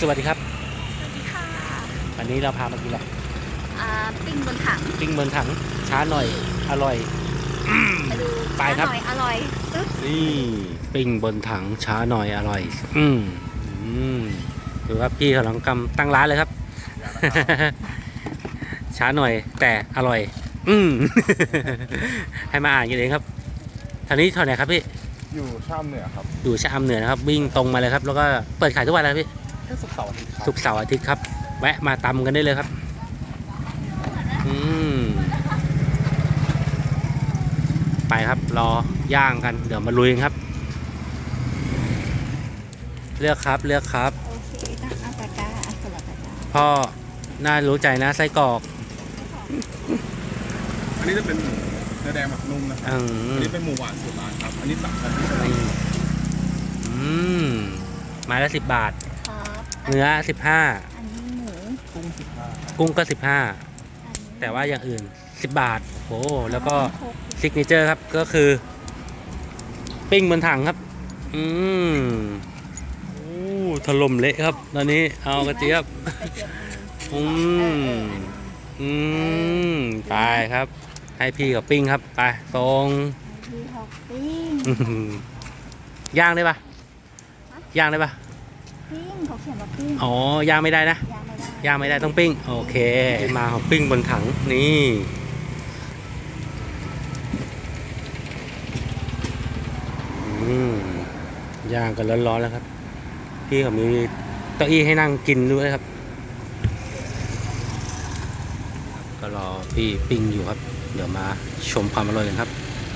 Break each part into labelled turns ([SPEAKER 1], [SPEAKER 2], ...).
[SPEAKER 1] สวัสดีครับ
[SPEAKER 2] สวัสดีค่ะ
[SPEAKER 1] วันนี้เราพามากินอะไร
[SPEAKER 2] ปิ้งบนถัง
[SPEAKER 1] ปิ้งบนถังช้าหน่อยอร่อย
[SPEAKER 2] มาดู
[SPEAKER 1] ไปครับ
[SPEAKER 2] อร่อยปึ๊บ
[SPEAKER 1] นี่ปิ้งบนถังช้าหน่อยอร่อยถือว่าพี่กำลังตั้งร้านเลยครับ ช้าหน่อยแต่อร่อยให้มาอ่านกันเองครับทางนี้เท่าไหร่ครับพี่
[SPEAKER 3] อยู่ชะอำเหนือครับ
[SPEAKER 1] อยู่ชะอำเหนือนะครับวิ่งตรงมาเลยครับแล้วก็เปิดขายทุกวันเลยพี่
[SPEAKER 3] แค่ศุกร์เสาร์อาทิตย์ครับ
[SPEAKER 1] ศุกร์เสาร์อาทิตย์ครับแวะมาตำกันได้เลยครับไปครับรอย่างกันเดี๋ยวมาลุยกันครับเลือกครับ
[SPEAKER 2] โอเคอาปากกาสลับปากกา
[SPEAKER 1] พ่อน่ารู้ใจนะไส้กรอก
[SPEAKER 3] อันนี้จะเป็นเนื้อแดงหมักนุ่มนะครับอันนี้เป็นหมูหวานสูตรร้านครับอันนี้3 ชั้นที่สลัด
[SPEAKER 1] ไม้ละ10 บาท
[SPEAKER 2] ครับ
[SPEAKER 1] เนื้อ
[SPEAKER 2] อันนี้หมู
[SPEAKER 1] กุ้งก็15แต่ว่าอย่างอื่น10 บาทโอ้แล้วก็ซิกเนเจอร์ครับก็คือปิ้งบนถังครับถล่มเละครับตอนนี้เอากระเจี๊ยบไปครับให้พี่กับปิ้งครับไปตรง
[SPEAKER 2] พี่หอกปิ้ง
[SPEAKER 1] ย่างได้ปะย่างได้ปะ
[SPEAKER 2] ปิ้งเขาเขียนว่าปิ้ง
[SPEAKER 1] อ๋อย่างไม่ได้นะย่างไม่ได้ต้องปิ้งโอเคมาของปิ้งบนถังนี่ย่างกันร้อนๆแล้วครับพี่เขามีเก้าอี้ให้นั่งกินด้วยครับก็รอพี่ปิ้งอยู่ครับเดี๋ยวมาชมความอร่อยกันครับ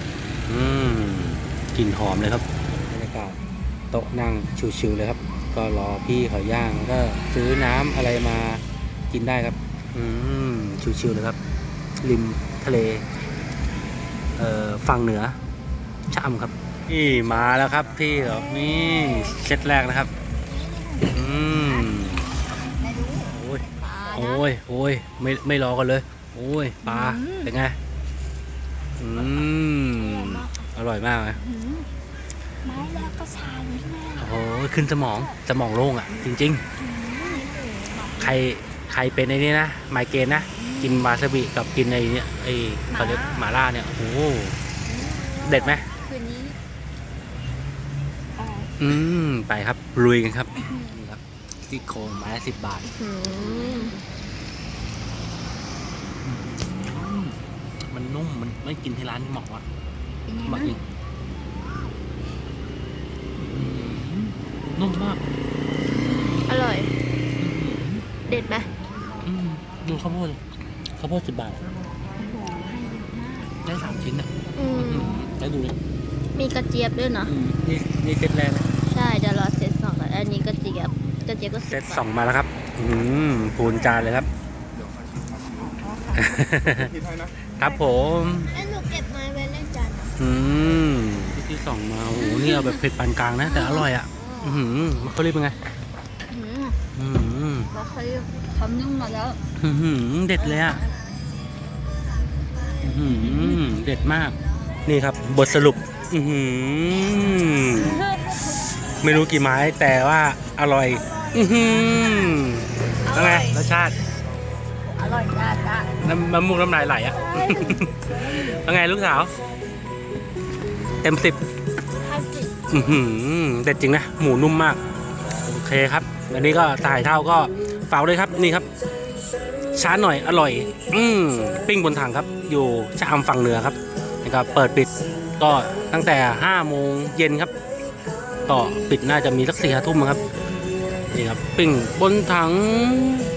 [SPEAKER 1] กลิ่นหอมเลยครับบรรยากาศโต๊ะนั่งชิวๆเลยครับก็รอพี่เขาย่างก็ซื้อน้ำอะไรมากินได้ครับชิวๆเลยครับริมทะเลฝั่งเหนือชะอำครับนี่มาแล้วครับพี่เขานี่เซตแรกนะครับโอ้ยไม่รอกันเลยโอ้ยปลาเป็นไงอร่อยมากเลย
[SPEAKER 2] ไม้แรกก็ชาเลยแม่
[SPEAKER 1] โอ้ยขึ้นสมองโล่งอ่ะจริงๆใครเป็นไอ้นี่นะไมเกรนนะกินวาซาบิกับกินไอ้นี่ไอ้เขาเรียกหม่าล่าเนี่ยโอ้เด็ดไหม
[SPEAKER 2] คืนนี้
[SPEAKER 1] ไปครับลุยกันครับนี่ครับซี่โครงไม้ละ10 บาทมันนุ่มมันไม่กินที่ร้านที่เหมาะอ่ะมากินนุ่มมาก
[SPEAKER 2] อร่อยเด็ดไหม
[SPEAKER 1] ดูข้าวโพด10 บาทได้3 ชิ้นอ่ะแล้วดูเลย
[SPEAKER 2] มีกระเจี๊ยบด้วยเนาะ
[SPEAKER 1] นี่เซตแรกนะ
[SPEAKER 2] ใช่เดี๋ยวรอเซต2ก่อนอันนี้กระเจี๊ยบก็
[SPEAKER 1] เซต2มาแล้วครับพูนจานเลยครับครับผม
[SPEAKER 2] หนูเก็บไม้ไว้เล่นจาน
[SPEAKER 1] ที่2มาโอ้โหนี่เอาแบบเผ็ดปานกลางนะแต่อร่อยอ่ะมันเขาเรียกเป็นไง
[SPEAKER 2] เราเคยทำนึ่งมาแล้ว
[SPEAKER 1] เด็ดเลยอ่ะเด็ดมากนี่ครับบทสรุปไม่รู้กี่ไม้แต่ว่าอร่อยแล้วไงรสชาติ
[SPEAKER 2] อร่อยจ้า
[SPEAKER 1] น้ำมูกน้ำลายไหลอ่ะแล้วไงลูกสาวเต็ม10เด็ดจริงนะหมูนุ่มมากโอเคครับวันนี้ก็ถ่ายเท่าก็ฝากด้วยครับนี่ครับช้าหน่อยอร่อยปิ้งบนถังครับอยู่ชะอำฝั่งเหนือครับนะครับเปิดปิดก็ตั้งแต่5 โมงเย็นครับก็ปิดน่าจะมีสัก4-5 ทุ่มครับนี่ครับปิ้งบนถัง